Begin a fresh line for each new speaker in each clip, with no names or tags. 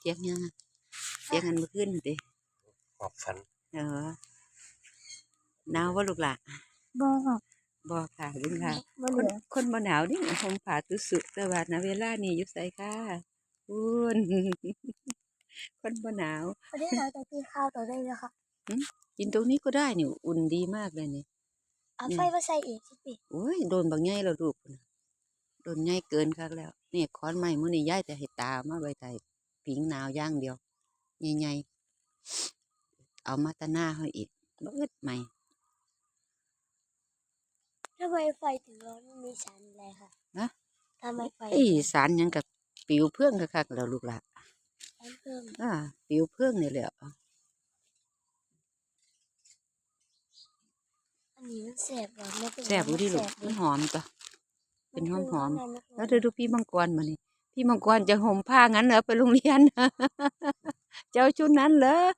สียงยังเสียงกันเมื่อคืนติ
หอบฝัน
หนาวว่าลูกหล่ะ
บ่
บ่ค่ะลุงค่ะ
บ่เหลือ
คนบ่หนาวนี่ห่มผ้าตุสุแต่ว่าณเวลานี้อยู่ไสค่ะคุณคนบ่หนาว
ประเทศเราจะกินข้าวต่อได้เลยค่ะ
กินตรงนี้ก็ได้นี่อุ่นดีมากเลยนี่
เอาไฟมาใส่อีกสิปี
โอ้ยโดนบางใหญ่แล้วลูกโดนใหญ่เกินคักแล้วนี่ขอนไม้มื้อนี้ยายแต่ให้ตามาไว้ใต้ผิงหนาวอย่างเดียวใหญ่ๆเอามาตะหน้าเฮาอีกบ่อึดใหม่
ทำไมไฟถึงร้อนมีสารอะไรคะ
นะ
ทำไมไฟ
สารหยังกับปิวเพื่องคักๆแล้วลูกหล่ะ
เพิ่ม
ปิวเพื่องนี่แหละ
อันนี้มันแสบหรอไม่เป็น
แซ่บอยู่ดิลูกมันหอมจ้ะเป็นหอมแล้วดูพี่มังกรมานี่พี่มังกรจะห่มผ้างั้นเหรอไปโรงเรียนเจ้าชุดนั้นเหรอ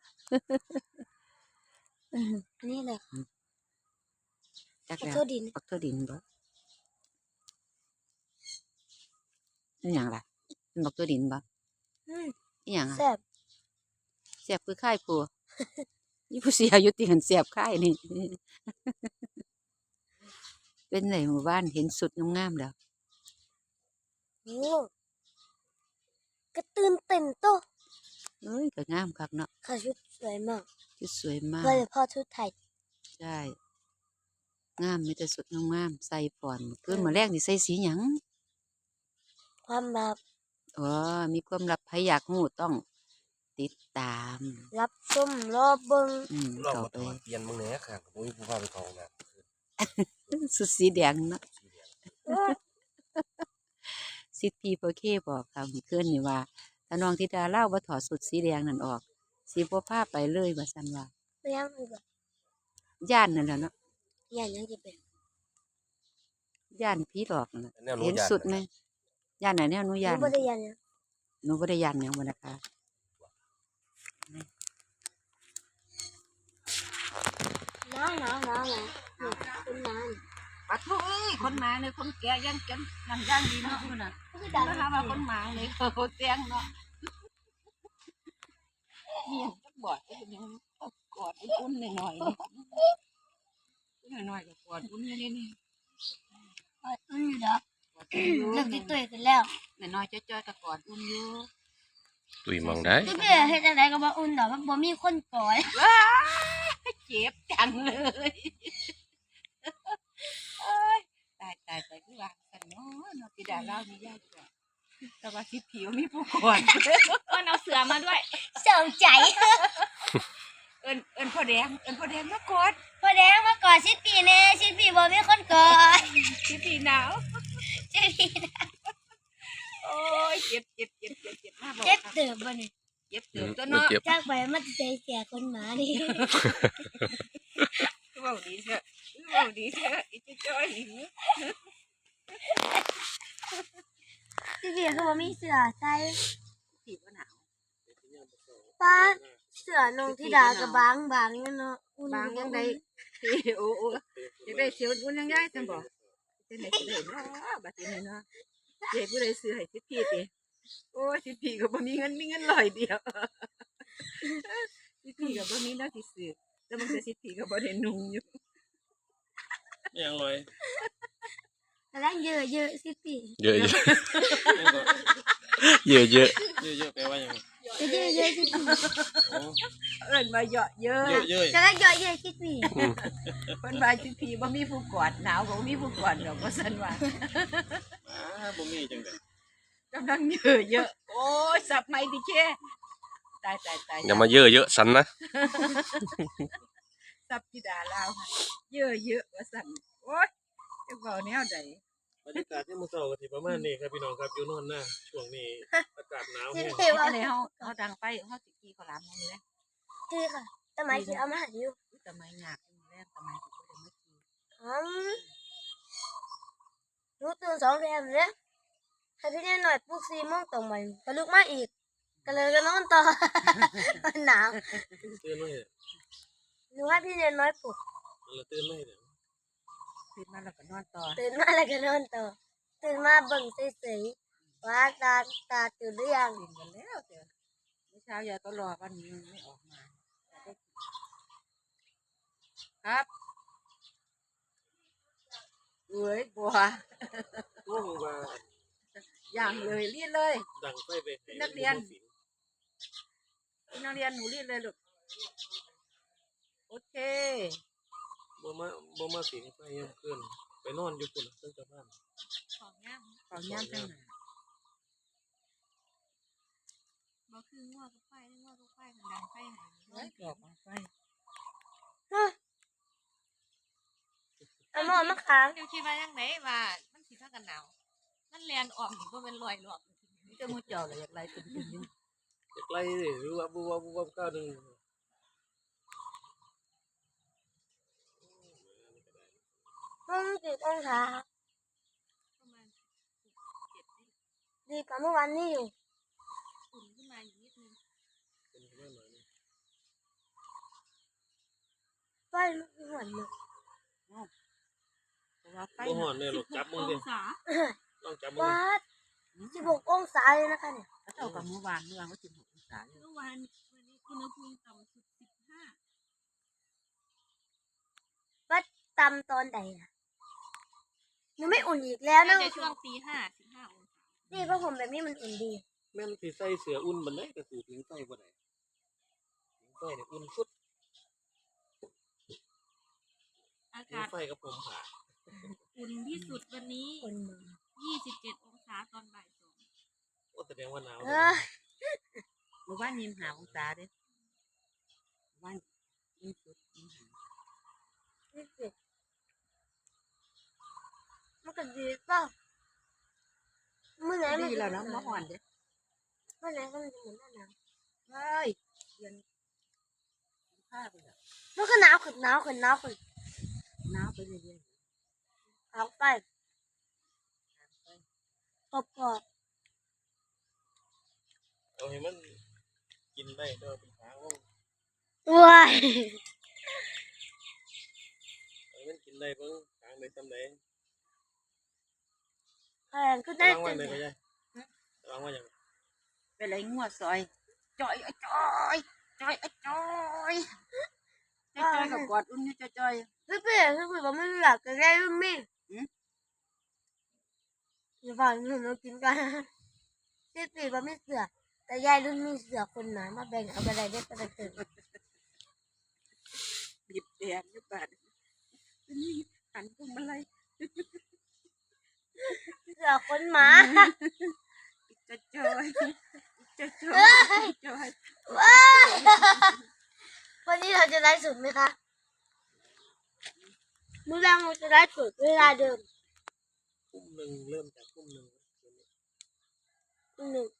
อันนี้เลย
จักแล้ว
ปักทั่วดิน
ปักทั่วดินบ่นี่อย่างไรเป็นปักทั่วดินบ่นี่อย่าง
แสบ
แซ่บคือค่ายผัวยี่ผู้เสียอยู่ตีหันแซ่บค่ายนี่เป็นไหนหมู่บ้านเห็นสุดงามๆแล้ว
โอ้กระตื่นเต้นโต
เอ้ยก็งามคักเนาะ
ค่ะชุดสวยมาก
ชุดสวยมาก
โดยเฉพาะชุดไทย
ใช่งามมีแต่สุดงามใส่ฝอนขึ้นมาแรกนี่ใส่สีหยัง
ความลับ
มีความลับใครอยากรู้ต้องติดตาม
รับชมรอบเบิ้ง
รอบไปเปลี่ยนมึงแหน่ค่ะผมมีผู้พาไปกองนะ
สุดสีแดงเนาะสิทธิโปเคบอกค่ะเพื่อนนี่ว่าถ้าน้องธิดาเล่าว่าถอดสุดสีแดงนั่นออกสีบ่พาไปเลยว่าซั่นว่า
เลี้ยงอีก
ย่านนั่นแหละเนาะ
ย่านยังจะเป็น
ย่านผีหลอกนั่นเห็นสุดไหมย่านไหนแนวหนูย่าน
หนูบ่ได้ย่านยัง
หนูบ่ได้ย่านหยังบ่นะคะ
น้าวนี่เป็นน้
ปะทุคนหมาเลยคนแก่ยังกันนั่นย่างดีเนาะพุ่นน่ะแล้วหาว่าคนหมาเลยเขาแจ้งเนาะนี่ยังจักบอดก็เป็นยังกอดอุ่นๆหน่อยๆหน่อยๆก็กอดอุ่นนี่
อุ่นอยู่ดอกเลิกตุ้ยกันแล้ว
น้อยๆจ้อยๆก็กอดอุ่นอยู่
ตุยมองได้
ตุ้ยเฮ็ดจังได๋ก็บ่อุ่นดอกมันบ่มีคนกอด
ว้าเจ็บจังเลยตายคือว่ากันเนาะพี่ดาเล่านี่ยากจ้ะแต่ว่าสิผิวมีผู้ก่อน
เอาเสือมาด้วยเสริมใจ
เอิ้นพ่อแดงมากอด
พ่อแดงมากอดสิปีแน่สิปีบ่มีคนกอด
สิปีหนาว
สิปี
โอ้ยเจ็บมากบ่
เจ็บเติบบ่นี่
เจ็บเติบตัวเนาะ
จากไปมันใจเสียคนหมานี่
เว้าดีเถอะอีจ้อยหิว
สิปีคือบ่มีเสื้อใส่
สิบ่หนาว
ป้าเสื้อนงธิดาก็บางอยู่เนาะ
บางยังได้โอ้อยากได้เสียวอุ่นยังได้จังบ่จังได๋สิได้เนาะบัดนี้เนาะเจ๊ผู้ใดซื้อให้สิพี่ติโอ้สิพี่ก็บ่มีเงิน100เดียวสิพี่ก็บ่มีเนาะสิซื้อแล้วมันจะสิพี่ก็บ่ได้นุ่งอยู่
ยังลอย
กำลังเยอะสิปี
เยอะแปลว่ายัง
เยอะสิปี
เอิ้นว่าเยอะ
กำลังเยอะสิปี
เพิ่นว่าสิพี่บ่มีผู้กอดหนาวก็บ่มีผู้กอดดอกว่าซั่นว่า
บ่มีจังได๋
กำลังเยอะโอ้ยสับใหม่ดิแค่ตาย
อย่ามาเยอะสันนะ
สับธิดาลาวค่ะเยอะว่าซั่นโอ้ยจะเว้าแนวใด
บรรยากาศที่มื้อเช้าก็สิประมาณนี้ครับพี่น้องครับอยู่นอนหน้าช่วงนี้อากาศหนาวแฮง
ว่าเลยเฮาดังไปเฮาสิขี่ข้าวหลามมื้อนี้
คือค่ะสมัยสิเอามาให้อยู่
สมัยยากมื้อแรกสมัยสิบ่ได้มาขี่
หนูตื่น2 แรมเด้ถ้าพี่น้อยปลุก4 โมงตรงไปก็ลุกมาอีกก็เลยก็นอนต่อหนาว
ตื่นมั้ย
หนูว่าพี่น้อยปลุก
แล้วตื่นมั้ย
ตื่นมาแล้วก็นอนต่อ
ตื่นมาเบิ่งเฉยๆว่าตาตื่นหรือยัง
ตื่นกันแล้วเด้อเมื่อเช้ายายก็รอวันนี้มันไม่ออกมาครับเอ้ยบัว
ช่วงว่า
อย่างเลยรีดเลย
ดังไฟไปให้
นักเรียน พี่นักเรียนหนูรีดเลยลูกโอเค
บ่มาสิงไฟยังเกินไปนอนอยู่พุ่นตั้งแต่บ้าน
ของย่าง
ขอย่ำจังหนา
บ่คืองัวกับไฟงัวกับไฟกันดังไฟไหน
ไว้ดอกมาไฟ
เอาหม้อมะขาม
เดี๋ยวคิดว่าจังไดว่ามันสิพากันหนาวมันแล่นออกนี่บ่เป็นรอยหรอก
นี่จะมูเจาะเลยอยากไรตึงตึงอยู่
จะไกลเลยหรือว่าบุบก้าวหนึ่ง
มัน10 องศา
ประมาณ7
ดีกว่าเมื่อวานนี้อยู่
อุ่นขึ้นมาอยู่นิดนึง
เป็นแค่หน่อยนึง
ไฟมันหวนเลย
เพราะว่าไฟ
บ่ห่อนเลยหรอกจับมึงดิ
องศา
ลองจับมึง
วั
ดิ
ด16 องศาเลยนะคะเนี่ย
เท่ากับเมื่อวานก็16 องศาอยู่
เมื่อวานวันนี้อุณหภูมิต่ำสุด15
วัดตำตอนใดนะหนูไม่อุ่นอีกแล้วนะ
น่าจะช่วงตี5 15องศา
นี่เพราะผมแบบนี้มันอุ่นดี
แม่นสิใส่เสื้ออุ่นบันไดก็สู่ถึงไฟบ่ได้ถึงไฟเนี่ยอุ่นสุด
อา
ถึง
กาศ
ไฟกับผมผ่า
อุ่นที่สุดวันนี้
อุ่นมือ
27 องศาตอนบ่าย 2
โอ้แสดงว่าหนาว
เอ
เลย
อ
เมื่อวาน25 องศาเด้วันยิ่งสุด25
นี่สิมันก็ดีเปล่าเมื่อไหร่มัน
ดี
จะ
แล้วนะเมื่อวานเด้
เมื่อไหร่ก็มันจะเหมือนหน้าหนาว
เฮ้ยเรียนผ้าไปแล้ว
มันก็หนาวขึ้นหนาวขึ้นหนาวขึ้น
หนาวไปเรื่อย
เอาไปพอ
เอาให้มันกินได้เด้อเป็นทางลง
ๆว้าย
เอาให้มันกินได้เบิ่งทางได้ซำใด
แพงก็ได้
วางไว้
จัง
เลยก็ได้วางไว้หยัง
ๆไปไรงัวซอยจอยจอยจอยจอยจอยกับกอดอุ้มนี่จอย
พี่บอกไม่รู้หลักจะได้รุ่นมี่อย่าฟังหนูกินกันพี่บอกไม่เสือแต่ยายรุ่นมีเสือคนหนามาแบ่งเอาไปอะไรได้ประเสริฐ
บีบแดงนี่บาดนี่หันพวงมาลัย
เสือคนหมา
จอยจอยจอย
วันนี้เราจะได้สุดไหมคะมื้อแรงเราจะได้สุดเวลาเดิม
ทุ่มหนึ่งเริ่มจากทุ่มหนึ่ง
1